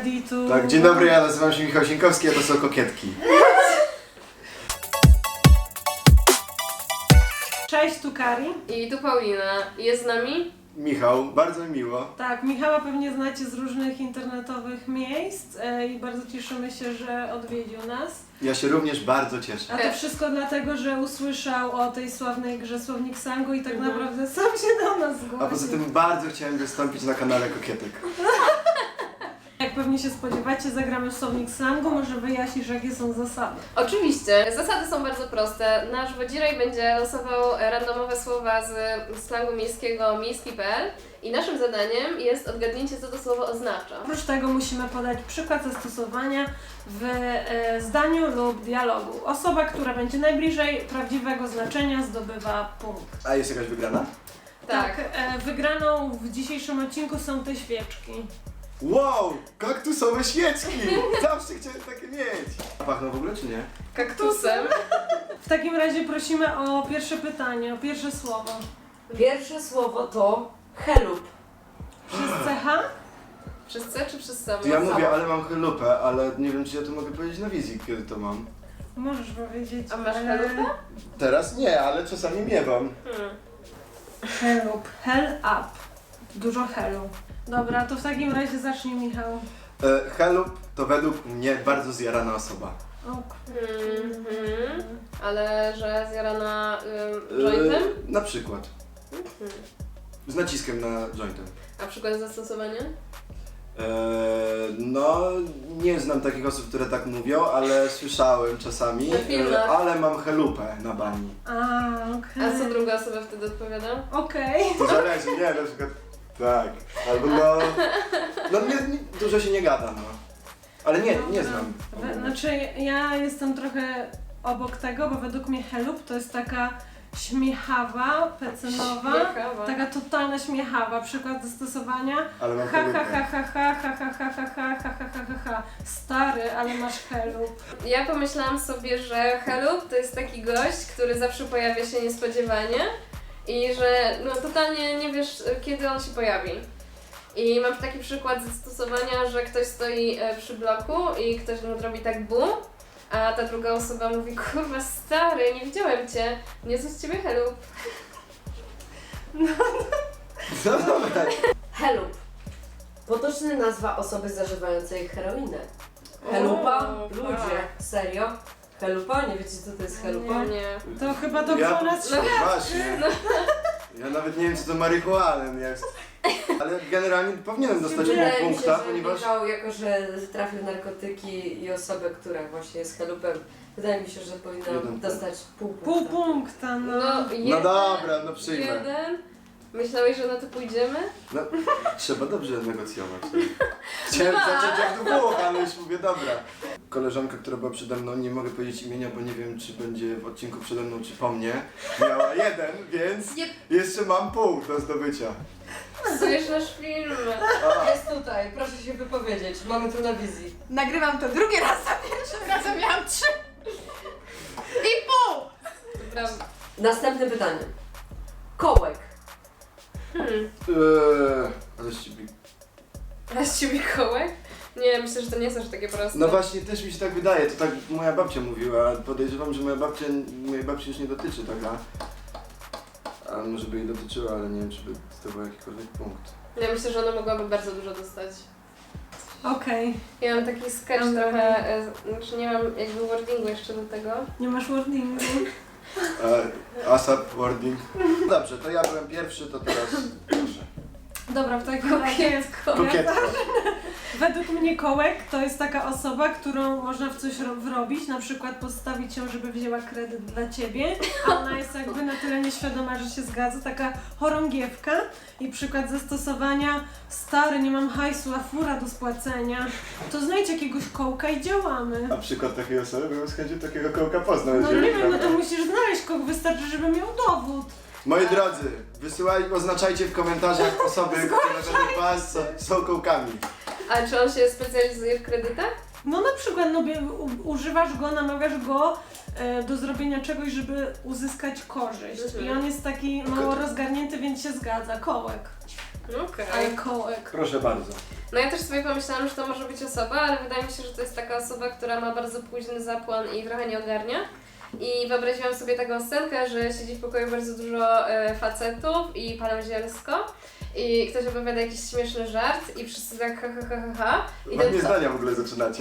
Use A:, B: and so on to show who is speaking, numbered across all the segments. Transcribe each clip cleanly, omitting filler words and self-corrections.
A: ready to...
B: Tak, dzień dobry, ja nazywam się Michał Sienkowski, a to są kokietki.
A: Cześć, tu Kari.
C: I tu Paulina. Jest z nami?
B: Michał, bardzo mi miło.
A: Tak, Michała pewnie znacie z różnych internetowych miejsc i bardzo cieszymy się, że odwiedził nas.
B: Ja się również bardzo cieszę.
A: A to wszystko dlatego, że usłyszał o tej sławnej grze Słownik Slangu i tak naprawdę sam się do nas zgłosił.
B: A poza tym bardzo chciałem wystąpić na kanale Kokietek.
A: Jak pewnie się spodziewacie, zagramy w Słownik Slangu, może wyjaśnisz, jakie są zasady.
C: Oczywiście. Zasady są bardzo proste. Nasz wodziraj będzie losował randomowe słowa z slangu miejskiego miejski.pl i naszym zadaniem jest odgadnięcie, co to słowo oznacza.
A: Oprócz tego musimy podać przykład zastosowania w zdaniu lub dialogu. Osoba, która będzie najbliżej prawdziwego znaczenia, zdobywa punkt.
B: A jest jakaś wygrana?
C: Tak.
A: Wygraną w dzisiejszym odcinku są te świeczki.
B: Wow, kaktusowe świeczki! Zawsze chciałem takie mieć. A pachną w ogóle czy nie?
C: Kaktusem.
A: W takim razie prosimy o pierwsze pytanie, o pierwsze słowo.
D: Pierwsze słowo to chelup.
A: Przez CH?
C: Przez C czy przez samo?
B: To ja mówię, ale mam chelupę, ale nie wiem, czy ja to mogę powiedzieć na wizji, kiedy to mam.
A: Możesz powiedzieć.
C: A masz chelupę?
B: Teraz nie, ale czasami miewam.
A: Help. Hell up. Dużo hellu. Dobra, to w takim razie zacznij, Michał.
B: Chelup to według mnie bardzo zjarana osoba.
C: Ale że zjarana jointem?
B: Na przykład. Z naciskiem na jointem.
C: A przykład zastosowania?
B: No, nie znam takich osób, które tak mówią, ale słyszałem czasami,
C: Na filmach.
B: ale mam chelupę na bani.
A: Okej.
C: A co druga osoba wtedy odpowiada?
A: Okej.
B: To zależy, nie, na przykład tak, albo no dużo się nie gada, no. Ale nie
A: Dobra.
B: znam.
A: Znaczy, ja jestem trochę obok tego, bo według mnie help to jest taka śmiechawa, pecynowa,
C: Śmiechawa.
A: taka totalna śmiechawa. Przykład zastosowania.
B: Ale mam
A: Ha ha
B: chelupę.
A: ha ha ha ha ha ha ha ha ha ha ha ha ha. Stary, ale masz help.
C: Ja pomyślałam sobie, że Helup to jest taki gość, który zawsze pojawia się niespodziewanie i że no totalnie nie wiesz, kiedy on się pojawi. I mam taki przykład zastosowania, że ktoś stoi przy bloku i ktoś mu robi tak bum, a ta druga osoba mówi: kurwa stary, nie widziałem cię, nie z ciebie Helup.
B: No dobra.
D: Chelup. Potoczna nazwa osoby zażywającej heroinę. Chelupa?
C: O,
D: Ludzie.
C: tak.
D: Serio? Chelupa? Nie wiecie, co to jest chelupa?
C: Nie.
A: To chyba dobrze o nas świadczy.
B: Właśnie. Ja nawet nie wiem, co to marihuanem jest. Ale generalnie powinienem dostać pół
D: Wydaje mi się,
B: punkta,
D: że
B: ponieważ...
D: Michał, jako że trafił narkotyki i osobę, która właśnie jest chelupem, wydaje mi się, że powinna
B: Jeden
D: dostać pół punkta.
A: Pół punkta, no.
B: No dobra, no przyjmę.
C: Jeden. Myślałeś, że na to pójdziemy?
B: No, trzeba dobrze negocjować. Chciałem zacząć jak dwóch, ale już mówię, dobra. Koleżanka, która była przede mną, nie mogę powiedzieć imienia, bo nie wiem, czy będzie w odcinku przede mną, czy po mnie. Miała jeden, więc jeszcze mam pół do zdobycia.
C: Psujesz nasz film.
D: Jest tutaj, proszę się wypowiedzieć, mamy tu na wizji.
E: Nagrywam to drugi raz, a pierwszym razem miałam 3,5!
C: Dobra.
D: Następne pytanie. Kołek.
B: Ale z ciebie...
C: A z ciebie kołek? Nie, myślę, że to nie są aż takie proste.
B: No właśnie, też mi się tak wydaje, to tak moja babcia mówiła, podejrzewam, że mojej babci już nie dotyczy taka. A może by jej dotyczyła, ale nie wiem, czy by zdobyła jakikolwiek punkt.
C: Ja myślę, że ona mogłaby bardzo dużo dostać.
A: Okej.
C: Ja mam taki sketch
A: Dobra.
C: trochę, znaczy nie mam jakby wordingu jeszcze do tego.
A: Nie masz wordingu.
B: ASAP, wording. Dobrze, to ja byłem pierwszy, to teraz proszę.
A: Dobra, w takim razie
B: Kokietko.
A: według mnie kołek to jest taka osoba, którą można w coś wrobić, na przykład postawić ją, żeby wzięła kredyt dla ciebie, a ona jest jakby na tyle nieświadoma, że się zgadza, taka chorągiewka. I przykład zastosowania: stary, nie mam hajsu, a fura do spłacenia. To znajdź jakiegoś kołka i działamy.
B: A przykład takiej osoby bym z chęcią takiego kołka poznał.
A: No
B: jeżeli
A: nie wiem, no to
B: prawda.
A: musisz znaleźć kogo, wystarczy, żeby miał dowód.
B: Moi drodzy, oznaczajcie w komentarzach osoby, które według was są kołkami.
C: A czy on się specjalizuje w kredytach?
A: No na przykład używasz go, namawiasz go do zrobienia czegoś, żeby uzyskać korzyść. I on jest taki mało rozgarnięty, więc się zgadza. Kołek.
C: Okej.
A: Ale kołek.
B: Proszę bardzo.
C: No ja też sobie pomyślałam, że to może być osoba, ale wydaje mi się, że to jest taka osoba, która ma bardzo późny zapłon i trochę nie ogarnia. I wyobraziłam sobie taką scenkę, że siedzi w pokoju bardzo dużo facetów i palą zielsko. I ktoś opowiada jakiś śmieszny żart i wszyscy tak ha ha ha ha ha.
B: Ładnie zdania w ogóle zaczynacie.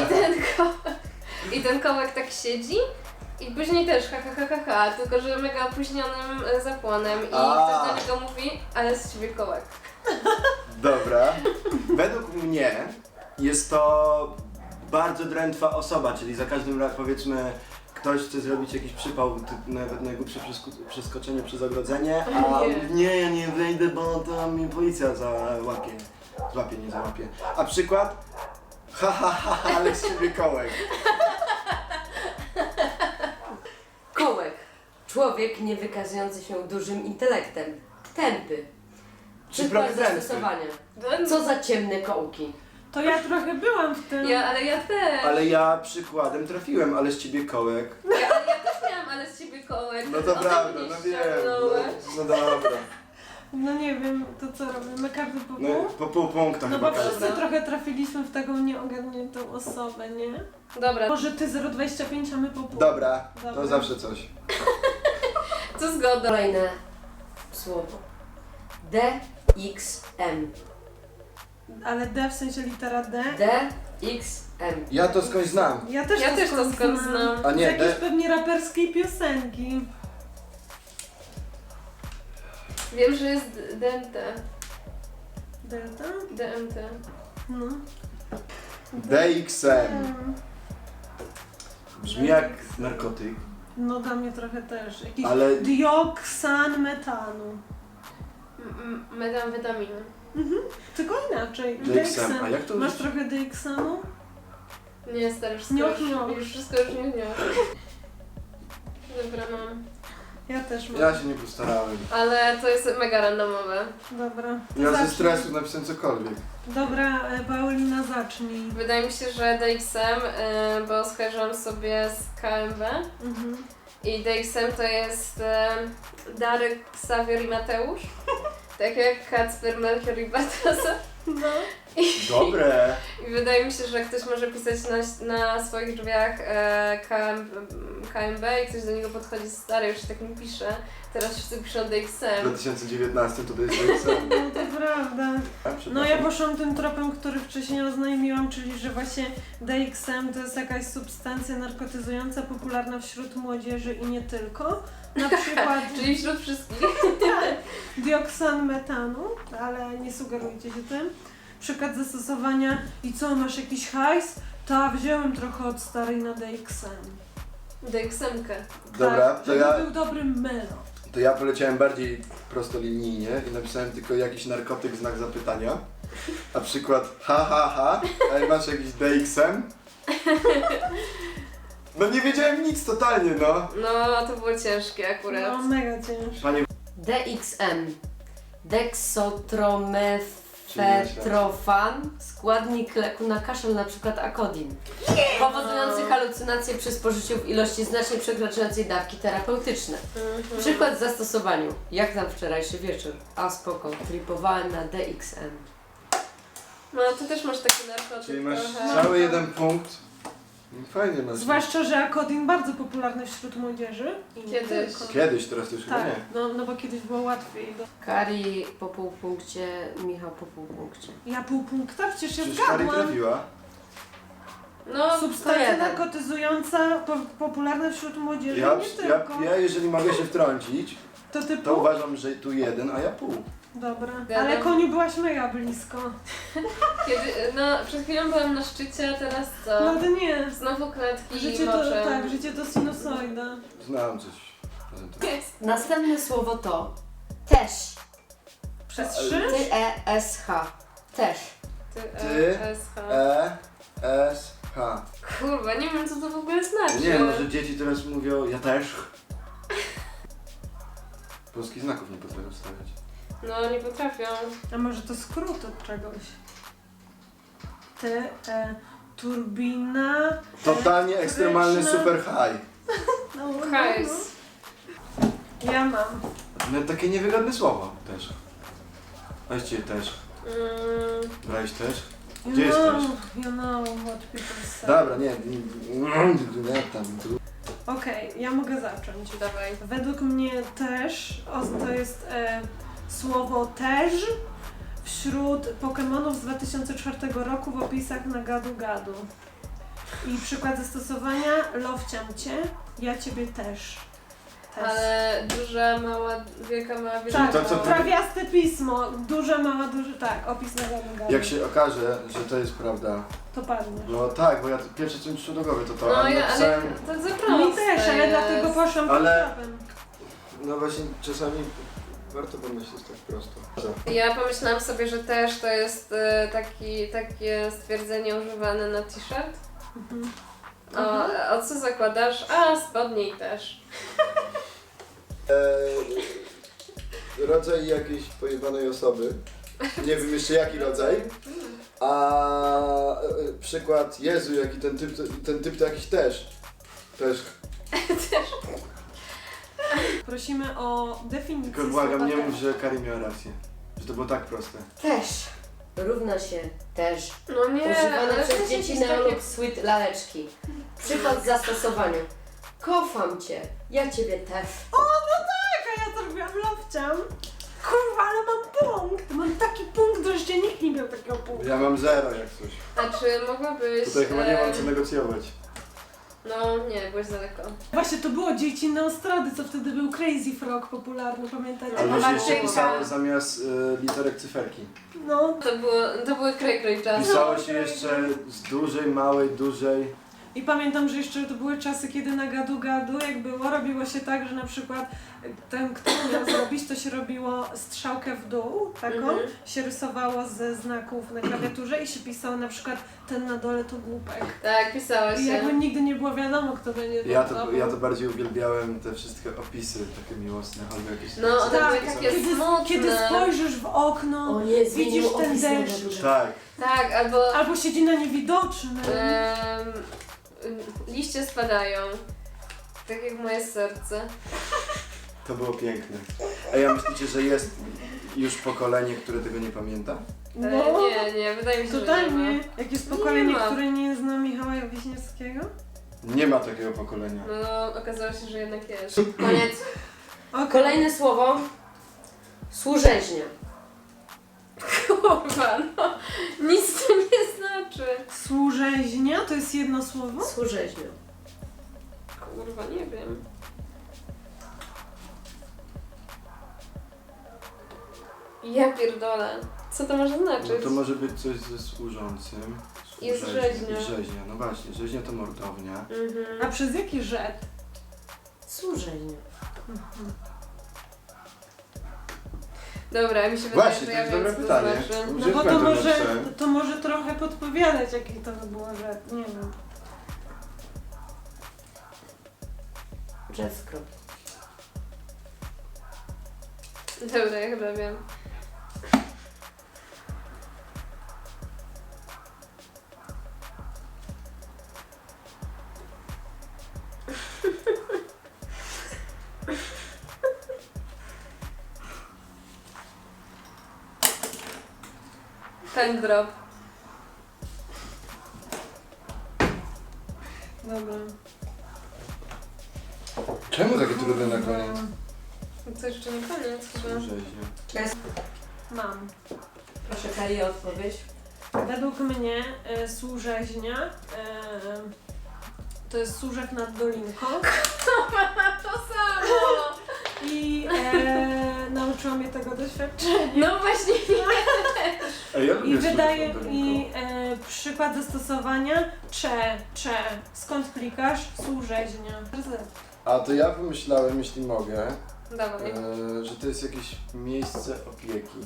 C: I ten kołek tak siedzi. I później też ha ha ha ha ha, tylko że mega opóźnionym zapłonem i ktoś do niego mówi, ale z ciebie kołek.
B: Dobra. Według mnie jest to bardzo drętwa osoba, czyli za każdym razem powiedzmy ktoś chce zrobić jakiś przypał, nawet najgłupsze przeskoczenie przez ogrodzenie, a nie, ja nie wejdę, bo to mi policja załapie. Złapie, nie załapie. A przykład? Ha ha ha, ale z ciebie kołek.
D: Kołek. Człowiek nie wykazujący się dużym intelektem. Tępy. Przykład
B: Drętwy.
D: zastosowania. Co za ciemne kołki.
A: To ja trochę byłam w tym.
C: Ale ja też.
B: Ale ja przykładem trafiłem, ale z ciebie kołek.
C: Ale ja też miałam, ale z ciebie kołek.
B: No to
C: O,
B: prawda,
C: mnie
B: no wiem.
C: ściągnąłeś.
B: No dobra.
A: No nie wiem, to co robimy? Każdy po
B: No
A: pół?
B: po pół punkta
A: No
B: chyba
A: bo
B: każdy.
A: wszyscy trochę trafiliśmy w taką nieogarniętą osobę, nie?
C: Dobra,
A: Może ty 0,25, a my po pół.
B: Dobra,
A: Dobra.
B: to zawsze coś.
C: to zgoda.
D: Kolejne słowo. DXM.
A: Ale D w sensie litera D?
D: DXM.
B: Ja to skądś znam.
A: Ja też
C: Ja też to skąd
A: znam.
C: znam.
B: A
A: Z
B: nie,
A: jakiejś
B: D.
A: pewnie raperskiej piosenki.
C: Wiem, że jest DMT.
A: Delta?
C: DMT.
A: No.
B: DXM. Brzmi jak narkotyk,
A: No dla mnie trochę też. Jakiś
B: ale
A: dioksan metanu.
C: Metamfetaminy.
A: Tylko inaczej.
B: DXM. A jak to
A: Masz
B: użyć?
A: trochę DXM-u?
C: Nie, stary, wszystko
A: Nioch,
C: już,
A: nioch.
C: już wszystko już nie. Dobra, mam.
A: Ja też mam.
B: ja się nie postarałem.
C: Ale to jest mega randomowe.
A: Dobra. to
B: Ja ze
A: zacznij.
B: stresu napisałem cokolwiek.
A: Dobra, Paulina, zacznij.
C: Wydaje mi się, że DXM, bo skojarzyłam sobie z KMW.
A: Mhm.
C: I DXM to jest Darek, Ksawior i Mateusz. Tak jak Kacper, Melchior i Bartosa.
A: No.
B: Dobre.
C: I wydaje mi się, że ktoś może pisać na swoich drzwiach KMB i ktoś do niego podchodzi, stary, już się tak nie pisze. Teraz wszyscy piszą
B: W
C: DXM.
B: 2019 to jest DXM.
A: No to prawda. No ja
B: Przepraszam.
A: poszłam tym tropem, który wcześniej oznajmiłam, czyli że właśnie DXM to jest jakaś substancja narkotyzująca popularna wśród młodzieży i nie tylko. Na przykład
C: Czyli wśród wszystkich.
A: dioksan metanu, ale nie sugerujcie się tym. Przykład zastosowania i co, masz jakiś hajs? Ta, wziąłem trochę od starej na DXM.
C: DXM-kę.
B: Dobra,
A: tak,
B: to
A: żeby
B: ja,
A: był dobry melon.
B: to ja poleciałem bardziej prostolinijnie i napisałem tylko jakiś narkotyk, znak zapytania. A przykład ha ha ha, a masz jakiś DXM? No nie wiedziałem nic totalnie, no.
C: No, to było ciężkie akurat.
A: No mega ciężko.
B: Panie
D: DXM. Deksotromefetrofan. Składnik leku na kaszel, na przykład Akodin. Powodujący halucynacje przy spożyciu w ilości znacznie przekraczającej dawki terapeutyczne. Przykład w zastosowaniu. Jak tam wczorajszy wieczór? A spoko, tripowałem na DXM.
C: No, ty też masz taki narkotyk
B: Czyli masz
C: trochę.
B: cały jeden punkt. Fajnie masz.
A: Zwłaszcza, że Akodin bardzo popularny wśród młodzieży. I nie
C: Kiedyś.
A: tylko.
B: Kiedyś, teraz to już chyba
A: Tak,
B: nie.
A: no bo kiedyś było łatwiej.
D: Kari po pół punkcie, Michał po pół punkcie.
A: Ja pół punkta, przecież ja
B: Przecież Kari
A: zgadłam.
B: trafiła.
C: No,
A: Substancja
D: jeden.
A: narkotyzująca, popularna wśród młodzieży,
B: Ja,
A: nie
B: ja,
A: tylko.
B: ja, jeżeli mogę się wtrącić,
A: To ty
B: to
A: pół?
B: uważam, że tu jeden, a ja pół.
A: Dobra.
C: Gadam.
A: Ale koniu byłaś mega blisko.
C: no, przed chwilą byłam na szczycie, a teraz co?
A: No to nie.
C: Znowu klatki
A: Życie
C: i
A: to,
C: moczem.
A: tak, życie to sinusoida.
B: Znałem coś. poza tym.
D: Następne słowo to też.
A: Przez
B: Ale-
A: trzy?
D: T-E-S-H. Też.
B: Ty,
C: SH.
B: S, H.
C: Kurwa, nie wiem co to w ogóle znaczy.
B: Nie, może dzieci teraz mówią, ja też. Polskich znaków nie potrafią stawiać.
C: No, nie potrafią.
A: A może to skrót od czegoś? Turbina.
B: Totalnie ekstremalny
A: elektryczna.
B: super high.
A: No, no,
C: Hajs.
A: no. Ja mam.
B: No takie niewygodne słowo też. Weźcie też.
C: Mm,
B: Brałeś też?
A: You
B: Gdzie jest
A: know,
B: też?
A: you know what people say.
B: Dobra, nie tam.
A: Okej, ja mogę zacząć.
C: dawaj.
A: Według mnie też, to jest słowo też wśród Pokemonów z 2004 roku w opisach na gadu gadu. I przykład zastosowania, lowciam cię, ja ciebie też.
C: Ale duża, mała, wielka, mała, wielka,
A: Tak,
B: to, co
C: mała.
A: trawiaste pismo, duże, małe, duże, tak, opis na gadu gadu.
B: Jak się okaże, że to jest prawda.
A: To padnie.
B: No tak, bo ja pierwsze co mi przyszło do głowy to
C: No
B: ale
C: ja, ale
B: napisałem...
C: to za proste
A: Mi też, ale
C: jest.
A: dlatego poszłam
B: Ale-
A: tym tropem.
B: No właśnie czasami warto pomyśleć tak prosto.
C: Ja pomyślałam sobie, że też to jest takie stwierdzenie używane na t-shirt.
A: Mhm.
C: O co zakładasz? A, spodnie i też.
B: Rodzaj jakiejś pojebanej osoby. Nie wiem jeszcze jaki rodzaj. A przykład Jezu, jaki ten typ to jakiś też. Też.
A: Prosimy o definicję
B: Tylko błagam,
A: słowa
B: nie
A: też.
B: mów, że Karim miał rację. Że to było tak proste.
D: Też równa się też.
C: No nie,
D: Używane
C: ale
D: przez
C: to
D: dzieci
C: jakieś
D: neolog sweet laleczki. Przykład w zastosowaniu. Kocham cię, ja ciebie też.
A: A ja to robiłam lowciam. Kurwa, ale mam punkt! Mam taki punkt, że jeszcze nikt nie miał takiego punktu.
B: Ja mam 0 jak coś.
C: A czy mogłabyś...
B: Tutaj chyba nie mam co negocjować.
C: No nie, byłeś daleko.
A: Właśnie to było dzieci Neostrady, co wtedy był Crazy Frog popularny, pamiętacie?
B: Ale
C: Marcynka.
B: już się pisało zamiast literek cyferki.
A: No.
C: To były kraj czasy.
B: Pisało się jeszcze z dużej, małej, dużej.
A: I pamiętam, że jeszcze to były czasy, kiedy na gadu gadu, jak było, robiło się tak, że na przykład ten, kto miał zrobić, to się robiło strzałkę w dół, taką, się rysowało ze znaków na klawiaturze i się pisało na przykład ten na dole to głupek.
C: Tak, pisałaś
A: I jakby
C: się.
A: nigdy nie było wiadomo, kto będzie
B: Ja to bardziej uwielbiałem te wszystkie opisy takie miłosne, albo jakieś...
C: No, one
A: Tak,
C: były takie
A: kiedy,
C: smutne.
A: kiedy spojrzysz w okno,
D: O nie, zmienił
A: widzisz ten
D: opis na
A: deszcz.
D: duże.
B: Tak.
C: Tak, albo...
A: Albo siedzi na niewidocznym.
C: Liście spadają. Tak jak moje serce.
B: To było piękne. A ja myślicie, że jest już pokolenie, które tego nie pamięta?
A: No,
C: Nie, wydaje mi się, że nie
A: totalnie.
C: ma.
A: Jak jest pokolenie,
C: ma.
A: które nie zna Michała Wiśniewskiego?
B: Nie ma takiego pokolenia.
C: No, okazało się, że jednak jest. Koniec.
A: Okay.
D: Kolejne słowo. Służeźnia.
C: Kurwa, no. Nic to nie znaczy.
A: Służeźnia to jest jedno słowo?
D: Służeźnia.
C: Kurwa, nie wiem. Ja pierdolę. Co to może znaczyć?
B: No to może być coś ze służącym.
C: Jest
B: Służeźnia.
C: rzeźnia.
B: I rzeźnia, no właśnie. Rzeźnia to mordownia.
A: A przez jaki rzet?
D: Służeźnia.
C: Dobra, mi się wydaje,
B: Właśnie,
C: że
B: to
C: ja
B: jest
C: wiem,
B: dobre
C: co to
B: pytanie.
C: znaczy.
A: No
B: Gdzie
A: bo
B: pamiętam, napisałem?
A: to może trochę podpowiadać, jaki to by było rzet. Nie wiem.
D: Jazzcrop.
C: Dobra, ja chyba wiem. Pen drop.
A: Dobra.
B: Czemu takie trudne na koniec?
C: Co jeszcze nie koniec chyba.
B: Rzeźnia.
A: Mam.
D: Proszę Kali o odpowiedź.
A: Według mnie służeźnia to jest służek nad dolinką
C: To samo!
A: i nauczyłam mnie tego doświadczenia.
C: No właśnie.
B: Ej, ja lubię
A: I wydaje
B: słuchać
A: mi przykład zastosowania cze. Skąd klikasz? Służeźnia.
B: A to ja pomyślałem, jeśli mogę,
C: Dawaj.
B: że to jest jakieś miejsce opieki.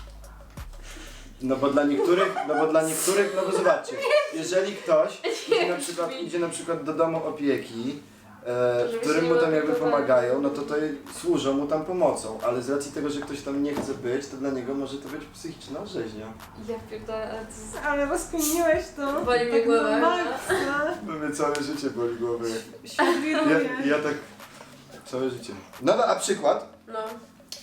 B: No bo dla niektórych, no bo zobaczcie, jeżeli ktoś idzie na przykład do domu opieki, w
C: Żeby
B: którym
C: się
B: mu
C: nie
B: tam jakby
C: opiekowali.
B: pomagają, no to służą mu tam pomocą, ale z racji tego, że ktoś tam nie chce być, to dla niego może to być psychiczna rzeźnia.
C: Ja pierdolę, ale to jest...
A: Ale rozkminiłeś to.
C: Boli mnie
A: tak
C: głowa.
A: na maksa.
B: No mnie całe życie boli głowy.
A: Świat wiruje.
B: Ja tak całe życie. No a przykład?
C: No.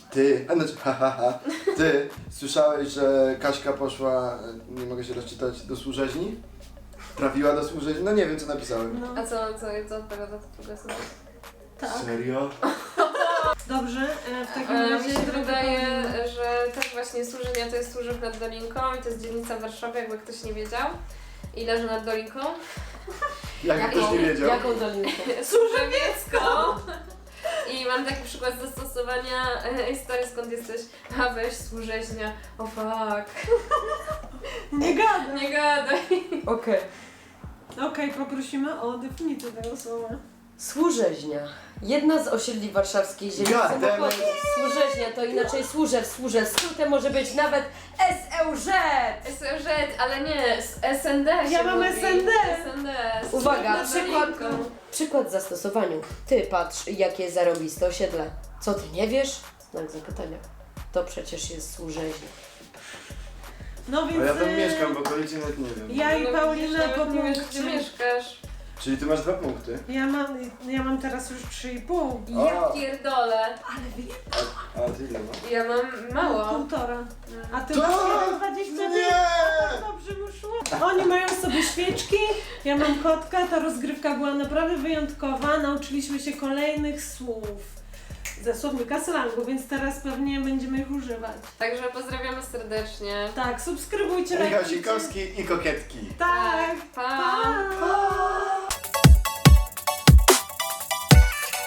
B: Ty, ty słyszałeś, że Kaśka poszła, nie mogę się rozczytać, do służeźni? Trafiła do służeźni? No nie wiem, co napisałem.
A: No,
C: A co odpowiada to druga osoba?
A: tak.
B: Serio?
A: Dobrze, w takim razie
C: Mi się
A: droga
C: wydaje,
A: Paulina.
C: że też właśnie Służenia to jest Służew nad Dolinką i to jest dzielnica w Warszawie, jakby ktoś nie wiedział. I leży nad Dolinką.
B: Jak ktoś nie wiedział.
D: Jaką dolinkę?
C: Służewiecką! I mam taki przykład zastosowania historii, skąd jesteś. A weź Służeźnia, o fuck.
A: Nie gadaj.
C: Nie gadaj.
D: Okej.
A: Okej, poprosimy o definicję tego słowa.
D: Służeźnia. Jedna z osiedli warszawskiej ziemi
B: God
D: w
B: damn
D: samochodzie. Służeźnia to inaczej służew. Skrótem może być nawet SLZ.
C: SLZ, ale nie, SND się
A: Ja mam
C: mówi.
A: SND.
C: SND.
D: Uwaga,
C: Służew nad
D: przykład,
C: Dolinką.
D: przykład w zastosowaniu. Ty patrz, jakie zarąbiste osiedle. Co ty nie wiesz? Znak zapytania. To przecież jest służeźnia.
A: No więc
B: A ja tam mieszkam, bo okolicy nawet nie wiem.
A: ja i
C: No,
A: Paulina
C: widzisz,
A: po
C: nawet nie wiesz, gdzie
A: punkcie.
C: mieszkasz.
B: Czyli ty masz 2 punkty.
A: Ja mam teraz już 3,5.
C: Ja
B: O.
C: pierdolę.
A: Ale wie,
B: A ty ile masz?
C: Ja mam mało.
A: 1,5. A ty
B: To-
A: masz 1,25.
B: Nie!
A: Dobrze wyszło. Oni mają sobie świeczki, ja mam kotka, ta rozgrywka była naprawdę wyjątkowa. Nauczyliśmy się kolejnych słów ze słownika slangu, więc teraz pewnie będziemy ich używać.
C: Także pozdrawiamy serdecznie.
A: Tak, subskrybujcie,
B: Michał
A: lajkujcie.
B: Sikowski i kokietki.
A: Tak,
C: Pa!
A: pa!